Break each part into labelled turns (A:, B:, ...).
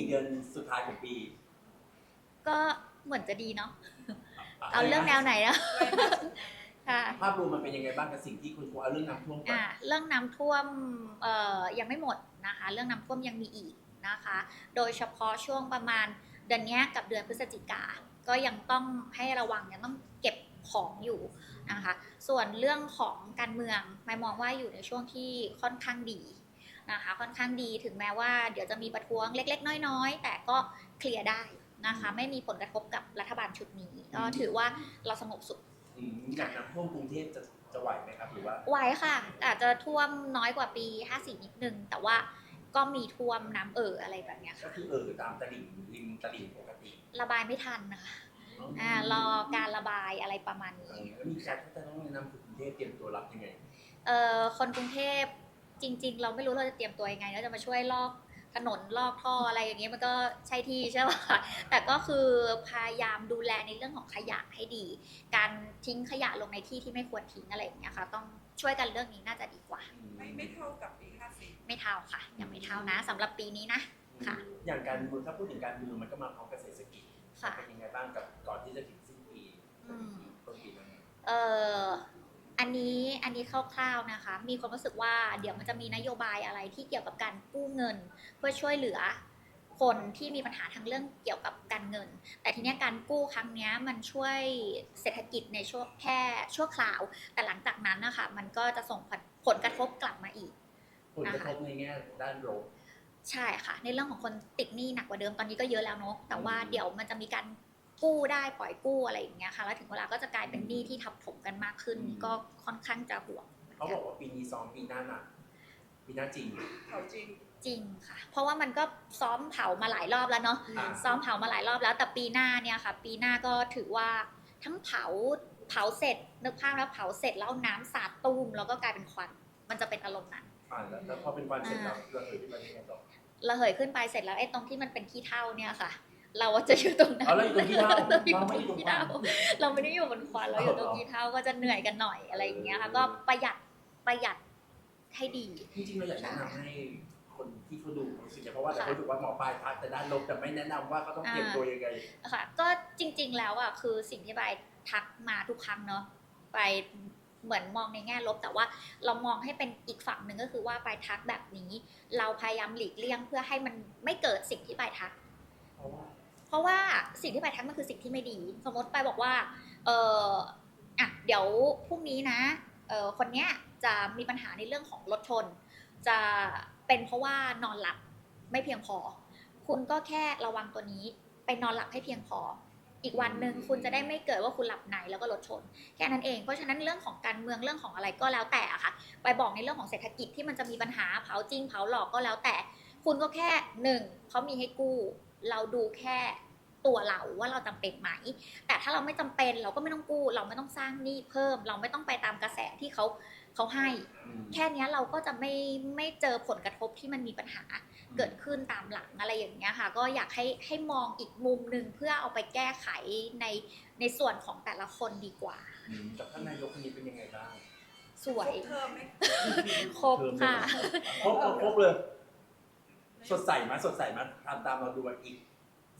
A: 4 เดือนสุดท้ายของปี
B: ก็เหมือนจะดีเนาะเอาเรื่องแนวไหนนะค่ะ
A: ภาพรวมมันเป็นยังไงบ้างกับสิ่งที่คุณครูเอาเรื่องน้ำท่วมก่อน
B: เรื่องน้ำท่วมยังไม่หมดนะคะเรื่องน้ำท่วมยังมีอีกนะคะโดยเฉพาะช่วงประมาณเดือนนี้กับเดือนพฤศจิกาก็ยังต้องให้ระวังยังต้องเก็บของอยู่นะคะส่วนเรื่องของการเมืองไม่มองว่าอยู่ในช่วงที่ค่อนข้างดีนะคะค่อนข้างดีถึงแม้ว่าเดี๋ยวจะมีประท้วงเล็กๆน้อยๆแต่ก็เคลียร์ได้นะคะไม่มีผลกระทบกับรัฐบาลชุดนี้ก็ถือว่าเราสงบสุข
A: อย่างน้ำท่วมกรุงเทพจะไหวไหมครับหรือว่า
B: ไหวค่ะอาจจะท่วมน้อยกว่าปี54นิดนึงแต่ว่าก็มีท่วมน้ำอะไรแบบนี้
A: ก็
B: ค่ะ
A: คือตามตลิ่งริมตลิ่งปกติ
B: ระบายไม่ทันนะคะรอการระบายอะไรประมาณนี้
A: แล้วมีการที่จะต้องแนะนำกรุงเทพเตรียมตัวรับยังไง
B: คนกรุงเทพจริงๆเราไม่รู้เราจะเตรียมตัวยังไงแล้วจะมาช่วยลอกถนนลอกท่ออะไรอย่างเงี้ยมันก็ใช่ที่ใช่ป่ะแต่ก็คือพยายามดูแลในเรื่องของขยะให้ดีการทิ้งขยะลงในที่ที่ไม่ควรทิ้งอะไรอย่างเงี้ยค่ะต้องช่วยกันเรื่องนี้น่าจะดีกว่า
C: ไม่เท่ากับปี54
B: ไม่เท่าค่ะยังไม่เท่านะสำหรับปีนี้นะค่ะ
A: อย่างการเมืองถ้าพูดถึงการเมืองมันก็มาพร้อมกับเศรษฐกิจ
B: ค่ะ
A: เป็นยังไงบ้างกับก่อนที่จะถึงสิ้นปีต้นปีนั้น
B: อันนี้คร่าวๆนะคะมีความรู้สึกว่าเดี๋ยวมันจะมีนโยบายอะไรที่เกี่ยวกับการกู้เงินเพื่อช่วยเหลือคนที่มีปัญหาทางเรื่องเกี่ยวกับการเงินแต่ทีนี้การกู้ครั้งนี้มันช่วยเศรษฐกิจในช่วงแค่ชั่วคราวแต่หลังจากนั้นนะคะมันก็จะส่งผลกระทบกลับมาอีก
A: ผลกระทบในแง่ด้านลบ
B: ใช่ค่ะในเรื่องของคนติดหนี้หนักกว่าเดิมตอนนี้ก็เยอะแล้วเนาะแต่ว่าเดี๋ยวมันจะมีการกู้ได้ปล่อยกู้อะไรอย่างเงี้ยค่ะแล้วถึงเวลาก็จะกลายเป็นหนี้ที่ทับถมกันมากขึ้นก็ค่อนข้างจะห่วง
A: เขาบอกว่าปีนี้ซ้อมปีหน้าหนักปีหน้าจริง
C: เขาจริง
B: จริงค่ะเพราะว่ามันก็ซ้อมเผามาหลายรอบแล้วเนาะซ้อมเผามาหลายรอบแล้วแต่ปีหน้าเนี่ยค่ะปีหน้าก็ถือว่าทั้งเผาเสร็จนึกภาพแล้วเผาเสร็จแล้วน้ำสาดตุ้มแล้วก็กลายเป็นควันมันจะเป็นอารมณ์นั้น
A: แล้วพอเป็นควันเสร็จแล้วระเหยขึ้นไปยังไงต่อ
B: ระเหยขึ้นไปเสร็จแล้วไอ้ตรงที่มันเป็นขี้เถ้าเนี่ยค่ะเราจะอยู่ตรงนั้น
A: เราอยู่ตรงขี้เถ้า
B: เราไม่อยู่ตรงขี้เถ้าเราไม่ได้อยู่บนควันเราอยู่ตรงขี้เถ้าก็จะเหนื่อยกันหน่อยอะไรอย่างเงี้ยค่ะก็ประหยัดให้ดี
A: จริงๆเราอยากแนะนำให้คนที่เขาดูรู้สึกเพราะว่าแต่เขาถือว่าหมอปลายทักแต่ด้านลบแต่ไม่แนะนำว่าเขาต้องเตรียมตัวยังไง
B: ค่ะก็จริงๆแล้วอ่ะคือสิ่งที่ใบทักมาทุกครั้งเนาะไปเหมือนมองในแง่ลบแต่ว่าเรามองให้เป็นอีกฝั่งหนึ่งก็คือว่าปลายทักแบบนี้เราพยายามหลีกเลี่ยงเพื่อให้มันไม่เกิดสิ่งที่ปลายทักเพราะว่าสิ่งที่ปลายทักมันคือสิ่งที่ไม่ดีสมมติปลายบอกว่าเดี๋ยวพรุ่งนี้นะคนเนี้ยจะมีปัญหาในเรื่องของรถชนจะเป็นเพราะว่านอนหลับไม่เพียงพอคุณก็แค่ระวังตัวนี้ไปนอนหลับให้เพียงพออีกวันหนึ่งคุณจะได้ไม่เกิดว่าคุณหลับในแล้วก็รถชนแค่นั้นเองเพราะฉะนั้นเรื่องของการเมืองเรื่องของอะไรก็แล้วแต่ค่ะไปบอกในเรื่องของเศรษฐกิจที่มันจะมีปัญหาเผาจริงเผาหลอกก็แล้วแต่คุณก็แค่1เขามีให้กู้เราดูแค่ตัวเราว่าเราจำเป็นไหมแต่ถ้าเราไม่จำเป็นเราก็ไม่ต้องกู้เราไม่ต้องสร้างหนี้เพิ่มเราไม่ต้องไปตามกระแสที่เขาให้แค่นี้เราก็จะไม่เจอผลกระทบที่มันมีปัญหาเกิดขึ้นตามหลังอะไรอย่างเงี้ยค่ะก็อยากให้มองอีกมุมหนึ่งเพื่อเอาไปแก้ไขในส่วนของแต่ละคนดีกว่า
A: กับท่านนายกคนนี้เป็นยังไงบ้าง
B: สวย
C: เพิ่มไหม
B: ครบค่ะ
A: ครบเลยสดใสมาตามเราดูอีก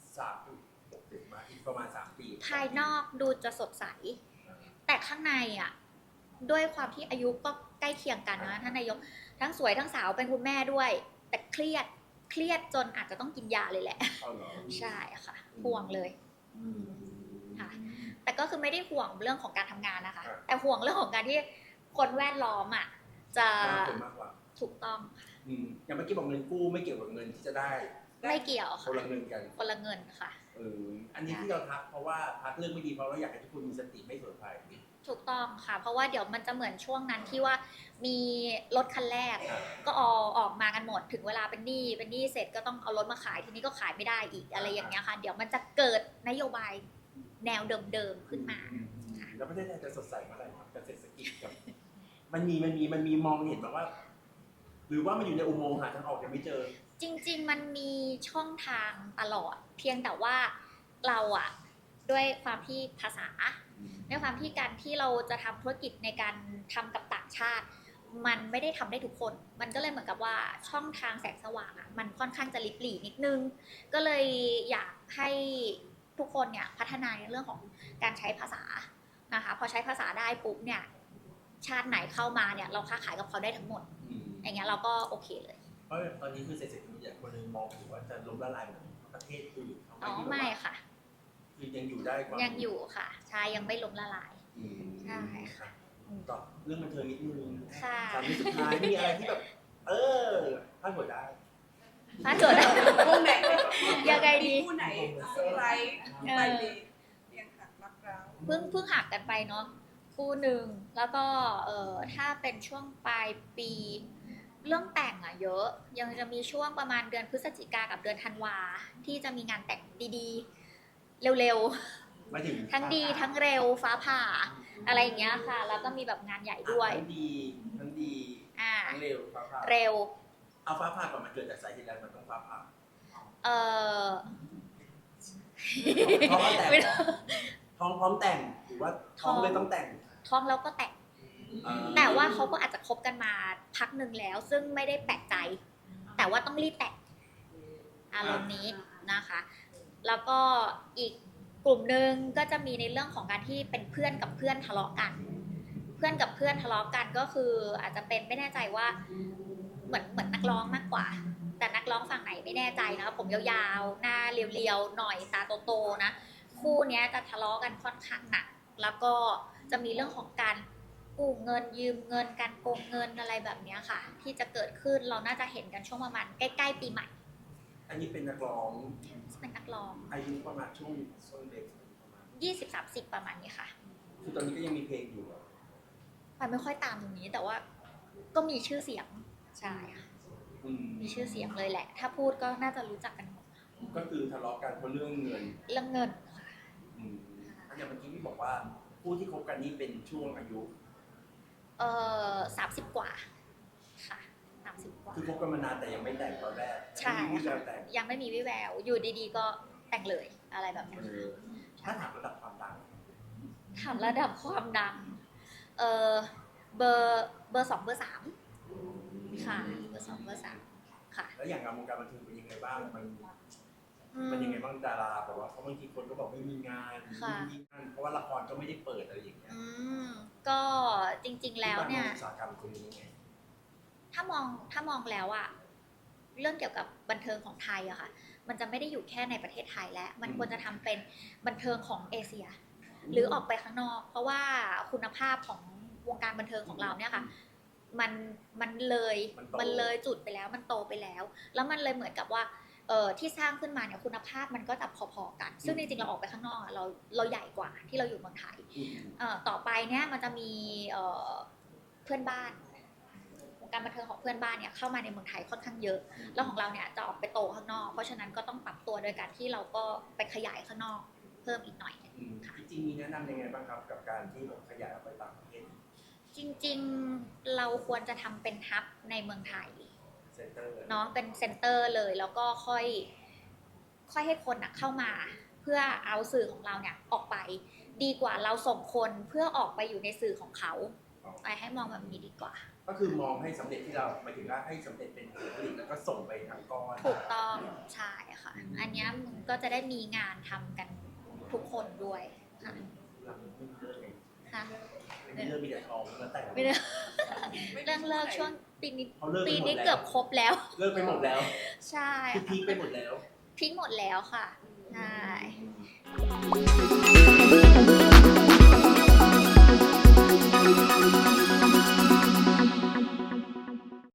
A: 3 มาอีกประมาณ3 ปี
B: ภายนอกดูจะสดใสแต่ข้างในอ่ะด้วยความที่อายุก็ใกล้เคียงกันนะท่านนายกทั้งสวยทั้งสาวเป็นคุณแม่ด้วยแต่เครียดจนอาจจะต้องกินยาเลยแหละใช่ค่ะห่วงเลยค่ะแต่ก็คือไม่ได้ห่วงเรื่องของการทำงานนะคะแต่ห่วงเรื่องของการที่คนแวดล้อมอ่ะจะ
A: มากกว่า
B: ถูกต้องค่ะ
A: อย่างเมื่อกี้บอกเงินกู้ไม่เกี่ยวกับเงินที่จะได้
B: ไม่เกี่ยวค่ะ
A: คนละเงินกัน
B: คนละเงินค่ะ
A: อันนี้ที่เราทักเพราะว่าทักเรื่องไม่ดีเพราะเราอยากให้ทุกคนมีสติไม่เผลอไผล
B: ถูกต้องค่ะเพราะว่าเดี๋ยวมันจะเหมือนช่วงนั้นที่ว่ามีรถคันแรกก็ออกมากันหมดถึงเวลาเป็นหนี้เสร็จก็ต้องเอารถมาขายทีนี้ก็ขายไม่ได้อีกอะไรอย่างเงี้ยค่ะเดี๋ยวมันจะเกิดนโยบายแนวเดิมๆขึ้นมา
A: แล้วประเทศไทยจะสดใสเมื่อไหร่ครับกับเศรษฐกิจกับมันมีมองเห็นแบบว่าหรือว่ามันอยู่ในอุโมงค์หาทางออกยังไม่เจอ
B: จริงๆมันมีช่องทางตลอดเพียงแต่ว่าเราอะด้วยความที่ภาษาด้วยความที่การที่เราจะทำธุรกิจในการทำกับต่างชาติมันไม่ได้ทำได้ทุกคน มันก็เลยเหมือนกับว่าช่องทางแสงสว่างอะมันค่อนข้างจะลิบหลี่นิดนึง ก็เลยอยากให้ทุกคนเนี่ยพัฒนาในเรื่องของการใช้ภาษานะคะพอใช้ภาษาได้ปุ๊บเนี่ยชาติไหนเข้ามาเนี่ยเราค้าขายกับเขาได้ทั้งหมด อย่างเงี้ยเราก็โอเคเลย
A: เพราะตอนนี้คือเศรษฐกิจคนนึงมองถึงว่าจะล้มละลายเหมือนประเทศอื่น
B: อ๋อไม่ค่ะ
A: คือยังอยู่ได้ความ
B: ยังอยู่ค่ะใช่ยังไม่ล้มละลาย ใช่ค่ะ
A: ต่อเรื่องบันเทิงนิดนึง
B: ค่ะ
A: สามสุดท้ายมีอะไรที่แบบพลาดหัวได้
B: ถ้าโจทย์
C: วงไหน
B: ยังไงดี
C: มีคู่ไหนเซอร์ไพรส์ไปดีเรียงหักรักร้าว
B: เพิ่งหักกันไปเนาะคู่หนึ่งแล้วก็ถ้าเป็นช่วงปลายปี เรื่องแต่งอะเยอะยังจะมีช่วงประมาณเดือนพฤศจิกากับเดือนธันวาที่จะมีงานแต่งดีๆ เร็ว
A: ไม่ถึง
B: ๆ ทั้งดีทั้งเร็วฟ้าผ่าอะไรอย่างเงี้ยค่ะ แล้วก็มีแบบงานใหญ่ด้วย
A: ทั้งดี
B: อ่า
A: ทั้งเร็วฟ้าผ่า
B: เร็ว
A: เอาฟ้าผ่าก่อนมันเกิดจากสาเหตุอะไรมันต้องฟ้าผ่า
B: เออ
A: ท้องแต่ง
B: ไม่รู้
A: ท้องพร้อมแต่งหรือว่าท้องเลยต้องแต่ง
B: ท้องแล้วก็แต่ง แต่ว่าเขาก็อาจจะคบกันมาพักหนึ่งแล้ว ซึ่งไม่ได้แปลกใจ แต่ว่าต้องรีบแต่งอารมณ์นี้นะคะ แล้วก็อีกกลุ่มหนึ่งก็จะมีในเรื่องของการที่เป็นเพื่อนกับเพื่อนทะเลาะกัน เพื่อนกับเพื่อนทะเลาะกันก็คืออาจจะเป็นไม่แน่ใจว่าเหมือนนักร้องมากกว่า แต่นักร้องฝั่งไหนไม่แน่ใจนะผมยาวๆหน้าเรียวๆหน่อยตาโตๆนะคู่เนี้ยจะทะเลาะกันค่อนข้างหนักแล้วก็จะมีเรื่องของการกู้เงินยืมเงินการโกงเงินอะไรแบบเนี้ยค่ะ ที่จะเกิดขึ้นเราน่าจะเห็นกันช่วงประมาณใกล้ๆปีใหม่
A: อันนี้เป็นนักร้อง
B: เป็นนักร้อง
A: อายุประมาณช่วงเด็กประมาณ
B: 20-30 ประมาณนี้ค่ะ
A: คือตอนนี้ก็ยังมีเพลงอยู่อะ
B: ไปไม่ค่อยตามตรงนี้แต่ว่าก็มีชื่อเสียงใช่ค่ะ มีชื่อเสียงเลยแหละ ถ้าพูดก็น่าจะรู้จักกันหมด
A: ก็คือทะเลาะกันเพราะเรื่องเงิน
B: เรื่องเงินค่ะ
A: อันอย่างเมื่อกี้ที่บอกว่าผู้ที่คบกันนี่เป็นช่วงอายุ
B: 30 กว่าค่ะ30 กว่า
A: คือคบกันมานานแต่ยังไม่แต่งตอนแรก
B: ใช่
A: ไม่มีการแต่ง
B: ยังไม่มีวิแวว อยู่ดีๆก็แต่งเลยอะไรแบบเนี้ย
A: ถ้าถามระดับความดัง
B: ถามระดับความดังเบอร์ 2 เบอร์ 3ค่ะเบอร์ 2 เบอร์ 3ค่ะ
A: แล้วอย่างงานวงการบันเทิงเป็นยังไงบ้างมัน
B: อืม
A: มันยังไงบ้างดาราแบบว่าเพราะบางทีคนก็บอกไม่มีงาน
B: ค่ะ
A: ไม่มีงานเพราะว่าละครก็ไม่ได้เปิดอะไรอย่างเงี้ย
B: ก็จริงๆแล้วเนี่ย
A: อุตสาหกรรมตรงนี้ไง
B: ถ้ามองแล้วอะเรื่องเกี่ยวกับบันเทิงของไทยอะค่ะ มันจะไม่ได้อยู่แค่ในประเทศไทยแล้ว มันควรจะทำเป็นบันเทิงของเอเชีย หรือออกไปข้างนอก เพราะว่าคุณภาพของวงการบันเทิงของเราเนี่ยค่ะ มันเลยจุดไปแล้วมันโตไปแล้ว แล้วมันเลยเหมือนกับว่าที่สร้างขึ้นมาเนี่ยคุณภาพมันก็จะพอๆกัน ซึ่งจริงๆเราออกไปข้างนอกอะเราใหญ่กว่าที่เราอยู่เมืองไทย ต่อไปเนี่ยมันจะมีเพื่อนบ้านวงการบันเทิงของเพื่อนบ้านเนี่ยเข้ามาในเมืองไทยค่อนข้างเยอะ แล้วของเราเนี่ยจะออกไปโตข้างนอก เพราะฉะนั้นก็ต้องปรับตัวโดยการที่เราก็ไปขยายข้างนอกเพิ่มอีกหน่อย
A: จริงๆมีแนะนำยังไงบ้างครับกับการที่แบบขยายออกไปต่างประเทศ
B: จริงๆเราควรจะทำเป็นฮับในเมืองไทย
A: เซ็นเตอร์
B: เนาะเป็นเซ็นเตอร์เลยแล้วก็ค่อยให้คนเข้ามาเพื่อเอาสื่อของเราเนี่ยออกไปดีกว่าเราส่งคนเพื่อออกไปอยู่ในสื่อของเขาไปให้มองแบบนี้ดีกว่า
A: ก็คือมองให้สำเร็จที่เราหมายถึงว่าให้สำเร็จเป็นผลผลิตแล้วก็ส่งไปทางก้อน
B: ถูกต้องใช่ค่ะ อันเนี้ยมันก็จะได้มีงานทำกันทุกคนด้วยค่ะ
A: เราไม่มีเรื่องไง
B: ค่ะ
A: ไม่มีเรื่องมีแต่ทองแล้วแต่ง
B: ไม่ได้เรื่องเลิกช่วงปีนี้
A: เขาเลิก
B: ปี
A: ไปหม
B: นี้
A: ดแล้ว
B: เกือบครบแล้ว
A: เลิกไปหมดแล้ว
B: ใช่
A: คือพีคไปหมดแล้ว
B: ทิ้งหมดแล้วค่ะใช่